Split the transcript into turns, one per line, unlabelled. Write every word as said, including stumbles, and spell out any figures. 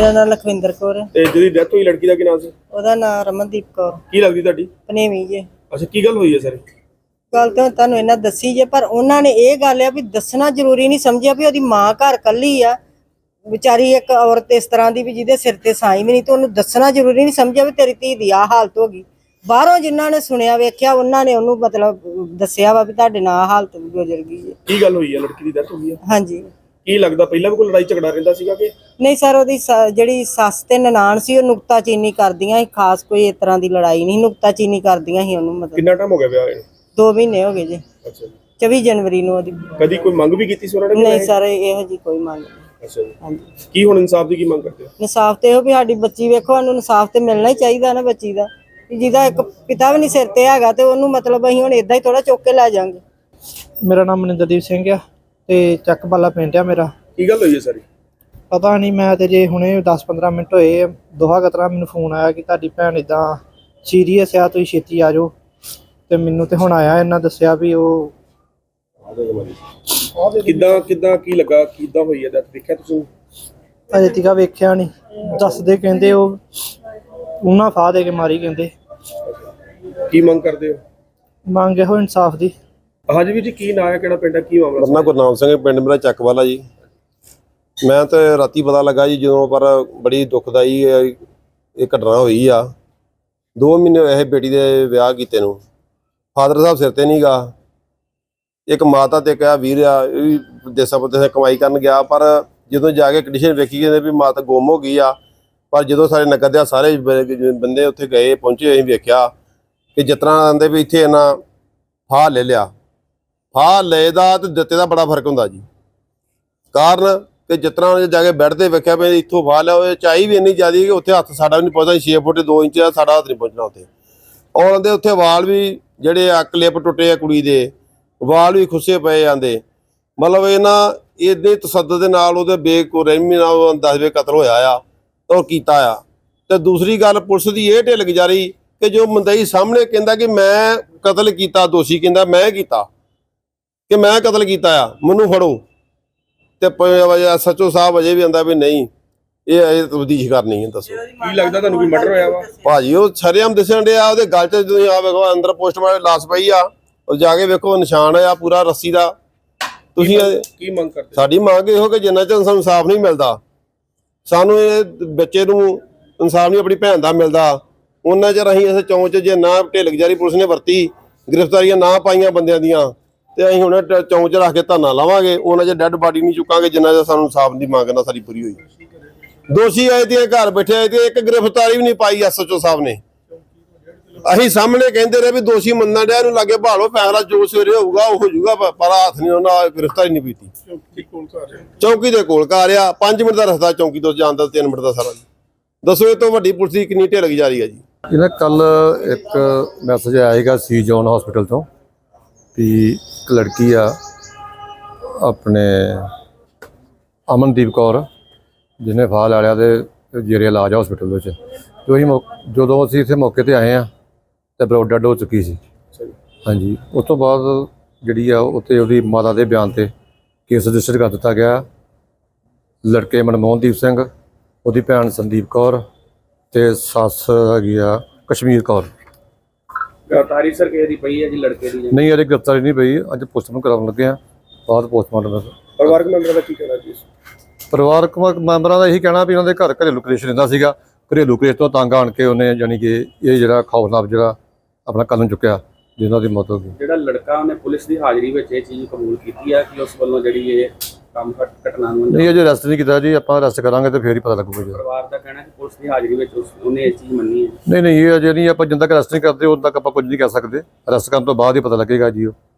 मेरा नाम लखविंदर कौर है।
ਤੇ ਜਿਹਦੀ ਡੈਥ ਹੋਈ ਲੜਕੀ ਦਾ ਕੀ ਨਾਮ ਸੀ?
ਉਹਦਾ ਨਾਮ ਰਮਨਦੀਪ ਕੌਰ
ਕੀ ਲੱਗਦੀ ਤੁਹਾਡੀ?
ਪਨੇਵੀ ਜੇ।
ਅੱਛਾ, ਕੀ ਗੱਲ ਹੋਈ ਹੈ ਸਰ?
ਗੱਲ ਤਾਂ ਤੁਹਾਨੂੰ ਇਹਨਾਂ ਦੱਸੀ ਜੇ, ਪਰ ਉਹਨਾਂ ਨੇ ਇਹ ਗੱਲ ਆ ਵੀ ਦੱਸਣਾ ਜ਼ਰੂਰੀ ਨਹੀਂ ਸਮਝਿਆ ਵੀ ਉਹਦੀ ਮਾਂ ਘਰ ਕੱਲੀ ਆ ਵਿਚਾਰੀ, ਇੱਕ ਔਰਤ ਇਸ ਤਰ੍ਹਾਂ ਦੀ ਵੀ ਜਿਹਦੇ ਸਿਰ ਤੇ ਸਾਈ ਵੀ ਨਹੀਂ, ਤੇ ਉਹਨੂੰ ਦੱਸਣਾ ਜ਼ਰੂਰੀ ਨਹੀਂ ਸਮਝਿਆ ਵੀ ਤੇਰੀ ਧੀ ਦੀ ਆਹ ਹਾਲਤ ਹੋ ਗਈ। ਬਾਹਰੋਂ ਜਿਨ੍ਹਾਂ ਨੇ ਸੁਣਿਆ ਵੇਖਿਆ ਉਹਨਾਂ ਨੇ ਉਹਨੂੰ ਮਤਲਬ ਦੱਸਿਆ ਵਾ ਵੀ ਤੁਹਾਡੇ ਨਾਲ ਆਹ ਹਾਲਤ ਗੁਜ਼ਰ ਗਈ ਹੈ।
ਕੀ ਗੱਲ ਹੋਈ ਹੈ? ਲੜਕੀ ਦੀ ਡੈਥ ਹੋ ਗਈ ਹੈ?
ਹਾਂਜੀ।
ਕੀ ਲੱਗਦਾ ਪਹਿਲਾਂ ਵੀ ਕੋਈ ਲੜਾਈ ਝਗੜਾ ਰਹਿੰਦਾ ਸੀਗਾ ਕਿ
ਨਹੀਂ ਸਰ, ਉਹਦੀ ਜਿਹੜੀ ਸੱਸ ਤੇ ਨਨਾਣ ਸੀ ਉਹ ਨੁਕਤਾਚੀਨੀ ਕਰਦੀਆਂ ਸੀ, ਖਾਸ ਕੋਈ ਇਸ ਤਰ੍ਹਾਂ ਦੀ ਲੜਾਈ ਨਹੀਂ, ਨੁਕਤਾਚੀਨੀ ਕਰਦੀਆਂ ਸੀ ਉਹਨੂੰ। ਮਤਲਬ
ਕਿੰਨਾ ਟਾਈਮ ਹੋ ਗਿਆ ਵਿਆਹ ਨੂੰ? ਦੋ
ਮਹੀਨੇ ਹੋ ਗਏ ਜੀ।
ਅੱਛਾ ਜੀ।
ਚੌਵੀ ਜਨਵਰੀ ਨੂੰ ਉਹਦੀ।
ਕਦੀ ਕੋਈ ਮੰਗ ਵੀ ਕੀਤੀ ਸੀ ਉਹਨਾਂ ਨੇ?
ਨਹੀਂ ਸਰ, ਇਹੋ ਜੀ ਕੋਈ ਮੰਗ ਨਹੀਂ।
ਅੱਛਾ ਜੀ।
ਹਾਂਜੀ।
ਕੀ ਹੁਣ ਇਨਸਾਫ ਦੀ ਕੀ ਮੰਗ ਕਰਦੇ ਹੋ?
ਇਨਸਾਫ ਤੇ ਇਹੋ ਵੀ ਸਾਡੀ ਬੱਚੀ, ਵੇਖੋ ਸਾਨੂੰ ਇਨਸਾਫ ਤੇ ਮਿਲਣਾ ਹੀ ਚਾਹੀਦਾ ਨਾ ਬੱਚੀ ਦਾ, ਜਿਹਦਾ ਇੱਕ ਪਿਤਾ ਵੀ ਨਹੀਂ ਸਿਰ ਤੇ ਹੈਗਾ ਤੇ ਉਹਨੂੰ ਮਤਲਬ ਅਸੀਂ ਹੁਣ ਏਦਾਂ ਹੀ ਥੋੜਾ ਚੁੱਕ ਕੇ ਲੈ ਜਾਾਂਗੇ।
ਮੇਰਾ ਨਾਮ ਮਨਿੰਦਰਦੀਪ ਸਿੰਘ ਆ ਤੇ ਚੱਕ ਬਾਲਾ ਪਿੰਡ ਆ ਮੇਰਾ।
ਕੀ ਗੱਲ ਹੋਈ ਹੈ ਸਾਰੀ?
ਪਤਾ ਨਹੀਂ, ਮੈਂ ਤੇ ਜੇ ਹੁਣੇ ਦਸ ਪੰਦਰਾਂ ਮਿੰਟ ਹੋਏ ਦੋਹਾ ਕਤਰਾ ਮੈਨੂੰ ਫੋਨ ਆਇਆ ਕਿ ਤੁਹਾਡੀ ਭੈਣ ਇਦਾਂ ਸੀਰੀਅਸ ਆ, ਤੁਸੀਂ ਛੇਤੀ ਆ ਜਾਓ। ਤੇ ਮੈਨੂੰ ਤੇ ਹੁਣ ਆਇਆ, ਇਹਨਾਂ ਦੱਸਿਆ ਵੀ ਉਹ
ਕਿੱਦਾਂ ਕਿੱਦਾਂ ਕੀ ਲੱਗਾ, ਕਿੱਦਾਂ ਹੋਈ ਹੈ ਡੈਥ? ਦੇਖਿਆ ਤੁਸੀਂ?
ਅਜੇ ਤੀਕਾ ਵੇਖਿਆ ਨਹੀਂ, ਦੱਸਦੇ ਕਹਿੰਦੇ ਉਹ ਉਹਨਾਂ ਫਾਹ ਦੇ ਕੇ ਮਾਰੀ ਕਹਿੰਦੇ।
ਕੀ ਮੰਗ ਕਰਦੇ ਹੋ?
ਮੰਗ ਇਹੋ ਇਨਸਾਫ ਦੀ।
ਹਾਂਜੀ ਵੀਰ ਜੀ, ਕੀ ਨਾਂ ਹੈ, ਕਿਹੜਾ ਪਿੰਡ ਹੈ, ਕੀ ਮਾਮਲਾ?
ਮੇਰਾ ਗੁਰਨਾਮ ਸਿੰਘ, ਪਿੰਡ ਮੇਰਾ ਚੱਕਵਾਲਾ ਜੀ। ਮੈਂ ਤਾਂ ਰਾਤੀ ਪਤਾ ਲੱਗਾ ਜੀ ਜਦੋਂ, ਪਰ ਬੜੀ ਦੁਖਦਾਈ ਇਹ ਘਟਨਾ ਹੋਈ ਆ। ਦੋ ਮਹੀਨੇ ਹੋਏ ਇਹ ਬੇਟੀ ਦੇ ਵਿਆਹ ਕੀਤੇ ਨੂੰ, ਫਾਦਰ ਸਾਹਿਬ ਸਿਰ ਤੇ ਨਹੀਂ ਗਾ। ਇੱਕ ਮਾਤਾ ਤੇ ਕਿਹਾ ਵੀਰ ਆ, ਇਹ ਵੀ ਦੇਸਾਂ ਪਰਦੇਸਾਂ ਕਮਾਈ ਕਰਨ ਗਿਆ, ਪਰ ਜਦੋਂ ਜਾ ਕੇ ਕੰਡੀਸ਼ਨ ਵੇਖੀ ਕਹਿੰਦੇ ਵੀ ਮਾਤਾ ਗੁੰਮ ਹੋ ਗਈ ਆ। ਪਰ ਜਦੋਂ ਸਾਰੇ ਨਗਰ ਦੇ ਸਾਰੇ ਬੰਦੇ ਉੱਥੇ ਗਏ ਪਹੁੰਚੇ, ਅਸੀਂ ਵੇਖਿਆ ਕਿ ਜਿਸ ਤਰ੍ਹਾਂ ਆਂਦੇ ਵੀ ਇੱਥੇ ਇਹਨਾਂ ਫਾਹ ਲੈ ਲਿਆ। ਫਾਹ ਲਏ ਦਾ ਤੇ ਦਿੱਤੇ ਦਾ ਬੜਾ ਫਰਕ ਹੁੰਦਾ ਜੀ। ਕਾਰਨ ਕਿ ਜਿਸ ਤਰ੍ਹਾਂ ਜਾ ਕੇ ਬੈੱਡ ਤੇ ਵੇਖਿਆ ਵੀ ਇੱਥੋਂ ਫਾਹ ਲਿਆ, ਉਹ ਚਾਈ ਵੀ ਇੰਨੀ ਜ਼ਿਆਦਾ ਕਿ ਉੱਥੇ ਹੱਥ ਸਾਡਾ ਵੀ ਨਹੀਂ ਪਹੁੰਚਦਾ। ਛੇ ਫੁੱਟ ਦੋ ਇੰਚ ਦਾ ਸਾਡਾ ਹੱਥ ਨਹੀਂ ਪਹੁੰਚਣਾ ਉੱਥੇ। ਔਰ ਆਂਦੇ ਉੱਥੇ ਵਾਲ ਵੀ ਜਿਹੜੇ ਆ ਕਲਿੱਪ ਟੁੱਟੇ ਆ, ਕੁੜੀ ਦੇ ਵਾਲ ਵੀ ਖੁੱਸੇ ਪਏ ਜਾਂਦੇ। ਮਤਲਬ ਇਹਨਾਂ ਇਹਦੇ ਤਸੱਦਦ ਦੇ ਨਾਲ ਉਹਦੇ ਬੇਕੁਰਹਿਮੀ ਨਾਲ ਦਸਵੇਂ ਕਤਲ ਹੋਇਆ ਆ ਉਹ ਕੀਤਾ ਆ। ਤੇ ਦੂਸਰੀ ਗੱਲ, ਪੁਲਿਸ ਦੀ ਇਹ ਢਿੱਲ ਗੁਜ਼ਾਰੀ ਕਿ ਜੋ ਮੰਦਈ ਸਾਹਮਣੇ ਕਹਿੰਦਾ ਕਿ ਮੈਂ ਕਤਲ ਕੀਤਾ, ਦੋਸ਼ੀ ਕਹਿੰਦਾ ਮੈਂ ਕੀਤਾ, ਕਿ ਮੈਂ ਕਤਲ ਕੀਤਾ ਆ, ਮੈਨੂੰ ਫੜੋ। ਤੇ ਸੱਚੋ ਸਾਹਿਬ ਅਜੇ ਵੀ ਆਂਦਾ ਵੀ ਨਹੀਂ, ਇਹ ਅਜੇ ਤਬਦੀਸ਼ ਕਰਨੀ ਹੈ। ਦੱਸੋ
ਕੀ ਲੱਗਦਾ ਤੁਹਾਨੂੰ ਕੋਈ ਮਰਡਰ ਹੋਇਆ ਵਾ?
ਭਾਜੀ ਉਹ ਸ਼ਰੇਆਮ ਦਿਸਣ ਡਿਆ, ਉਹਦੇ ਗਲ 'ਚ ਤੁਸੀਂ ਆ ਵੇਖੋ ਅੰਦਰ ਪੋਸਟਮਾਰਟਮ ਲਾਸ਼ ਪਈ ਆ, ਉਹ ਜਾ ਕੇ ਵੇਖੋ ਨਿਸ਼ਾਨ ਆ ਪੂਰਾ ਰੱਸੀ ਦਾ। ਤੁਸੀਂ
ਕੀ ਮੰਗ ਕਰਦੇ?
ਸਾਡੀ ਮੰਗ ਇਹੋ ਕਿ ਜਿੰਨਾ ਚਿਰ ਸਾਨੂੰ ਇਨਸਾਫ ਨਹੀਂ ਮਿਲਦਾ, ਸਾਨੂੰ ਇਹ ਬੱਚੇ ਨੂੰ ਇਨਸਾਫ ਨਹੀਂ ਆਪਣੀ ਭੈਣ ਦਾ ਮਿਲਦਾ, ਉਹਨਾਂ ਚਿਰ ਅਸੀਂ ਇਸ ਚੌਂਕ 'ਚ ਜੇ ਨਾ ਢਿੱਲ ਗੁਜ਼ਾਰੀ ਪੁਲਿਸ ਨੇ ਵਰਤੀ, ਗ੍ਰਿਫਤਾਰੀਆਂ ਨਾ ਪਾਈਆਂ ਬੰਦਿਆਂ ਦੀਆਂ, ਤੇ ਅਸੀਂ ਹੁਣ ਚੌਂਕ 'ਚ ਰੱਖ ਕੇ ਧਰਨਾ ਲਾਵਾਂਗੇ। ਉਹਨਾਂ 'ਚ ਡੈੱਡ ਬਾਡੀ ਨਹੀਂ ਚੁੱਕਾਂਗੇ ਜਿੰਨਾ ਚਿਰ ਸਾਨੂੰ ਇਨਸਾਫ ਦੀ ਮੰਗ ਨਾ ਸਾਡੀ ਪੂਰੀ ਹੋਈ। ਦੋਸ਼ੀ ਆਏ ਤੇ ਘਰ ਬੈਠੇ ਆਏ ਤੇ ਇੱਕ ਗ੍ਰਿਫਤਾਰੀ ਵੀ ਨਹੀਂ ਪਾਈ ਐਸਐਚਓ ਸਾਹਿਬ ਨੇ। ਅਸੀਂ ਸਾਹਮਣੇ ਕਹਿੰਦੇ ਰਹੇ ਵੀ ਦੋਸ਼ੀ ਮੰਨਣ ਡਿਆ, ਇਹਨੂੰ ਲਾਗੇ ਭਾਲੋ, ਫੈਸਲਾ ਜੋ ਸਵੇਰੇ ਹੋਊਗਾ ਉਹ ਹੋ ਜਾਊਗਾ, ਪਰ ਹੱਥ ਨਹੀਂ ਉਹਨਾਂ ਗ੍ਰਿਫਤਾਰੀ ਨਹੀਂ ਕੀਤੀ। ਚੌਂਕੀ ਦੇ ਕੋਲ ਘਰ ਆ, ਪੰਜ ਮਿੰਟ ਦਾ ਰਸਤਾ ਚੌਂਕੀ ਤੋਂ ਜਾਣ ਦਾ, ਤਿੰਨ ਮਿੰਟ ਦਾ ਸਾਰਾ। ਦੱਸੋ ਇਹ ਤੋਂ ਵੱਡੀ ਪੁਲਿਸ ਦੀ ਕਿੰਨੀ ਢਿੱਲ ਗੁਜ਼ਾਰੀ ਆ ਜੀ।
ਇਹਨਾਂ ਕੱਲ ਇੱਕ ਮੈਸੇਜ ਆਏਗਾ ਸੀ ਜੋਨ ਹਸਪੀਟਲ ਤੋਂ ਵੀ ਇੱਕ ਲੜਕੀ ਆ ਆਪਣੇ ਅਮਨਦੀਪ ਕੌਰ, ਜਿਹਨੇ ਫਾਹ ਲੈ ਲਿਆ ਤੇ ਜੇਰੇ ਇਲਾਜ ਹਸਪੀਟਲ ਵਿੱਚ। ਤੇ ਅਸੀਂ ਜਦੋਂ ਅਸੀਂ ਇੱਥੇ ਮੌਕੇ 'ਤੇ ਆਏ ਹਾਂ ਤੇ ਬਲੱਡ ਡੈਡ ਹੋ ਚੁੱਕੀ ਸੀ। ਹਾਂਜੀ, ਉਸ ਤੋਂ ਬਾਅਦ ਜਿਹੜੀ ਆ ਉੱਥੇ ਉਹਦੀ ਮਾਤਾ ਦੇ ਬਿਆਨ 'ਤੇ ਕੇਸ ਰਜਿਸਟਰ ਕਰ ਦਿੱਤਾ ਗਿਆ। ਲੜਕੇ ਮਨਮੋਹਨਦੀਪ ਸਿੰਘ, ਉਹਦੀ ਭੈਣ ਸੰਦੀਪ ਕੌਰ ਤੇ ਸੱਸ ਹੈਗੀ ਆ ਕਸ਼ਮੀਰ ਕੌਰ।
ਗ੍ਰਿਫਤਾਰੀ ਸਰ ਕਿਸੇ ਦੀ ਪਈ ਹੈ ਜੀ ਲੜਕੇ ਦੀ?
ਨਹੀਂ, ਅਜੇ ਗ੍ਰਿਫਤਾਰੀ ਨਹੀਂ ਪਈ, ਅੱਜ ਪੋਸਟਮਾਰਟਮ ਕਰਾਉਣ ਲੱਗੇ ਆ, ਬਾਅਦ ਪੋਸਟਮਾਰਟਮ।
ਪਰਿਵਾਰਕ ਮੈਂਬਰਾਂ ਦਾ ਕੀ ਕਹਿਣਾ ਜੀ?
ਪਰਿਵਾਰਕ ਮੈਂਬਰਾਂ ਦਾ ਇਹੀ ਕਹਿਣਾ ਵੀ ਉਹਨਾਂ ਦੇ ਘਰ ਘਰੇਲੂ ਕਲੇਸ਼ ਰਹਿੰਦਾ ਸੀਗਾ। ਘਰੇਲੂ ਕਲੇਸ਼ ਤੋਂ ਤੰਗ ਆਣ ਕੇ ਉਹਨੇ ਜਾਣੀ ਕਿ ਇਹ ਜਿਹੜਾ ਖੌਫਨਾਕ ਜਿਹੜਾ ਆਪਣਾ ਕਦਮ ਚੁੱਕਿਆ, ਜਿਹਨਾਂ ਦੀ ਮੌਤ ਹੋ ਗਈ।
ਜਿਹੜਾ ਲੜਕਾ ਉਹਨੇ ਪੁਲਿਸ ਦੀ ਹਾਜ਼ਰੀ ਵਿੱਚ ਇਹ ਚੀਜ਼ ਕਬੂਲ ਕੀਤੀ ਹੈ ਕਿ ਉਸ ਵੱਲੋਂ ਜਿਹੜੀ ਇਹ ਕੰਮ ਘਟਨਾ ਨੂੰ
ਨਹੀਂ ਅਜੇ ਅਰੈਸਟ ਨਹੀਂ ਕੀਤਾ ਜੀ, ਆਪਾਂ ਅਰੈਸਟ ਕਰਾਂਗੇ ਤੇ ਫੇਰ ਹੀ ਪਤਾ ਲੱਗੂਗਾ ਜੀ।
ਪਰਿਵਾਰ ਦਾ ਕਹਿਣਾ ਕਿ ਪੁਲਿਸ ਦੀ ਹਾਜ਼ਰੀ ਵਿੱਚ ਉਹਨੇ ਇਹ ਚੀਜ਼ ਮੰਨੀ ਹੈ।
ਨਹੀਂ ਨਹੀਂ, ਇਹ ਅਜੇ ਨਹੀਂ, ਆਪਾਂ ਜਿੰਨਾ ਤੱਕ ਅਰੈਸਟ ਨਹੀਂ ਕਰਦੇ ਉਦੋਂ ਤੱਕ ਆਪਾਂ ਕੁਝ ਨਹੀਂ ਕਹਿ ਸਕਦੇ। ਅਰੈਸਟ ਕਰਨ ਤੋਂ ਬਾਅਦ ਹੀ ਪਤਾ ਲੱਗੇਗਾ ਜੀ ਉਹ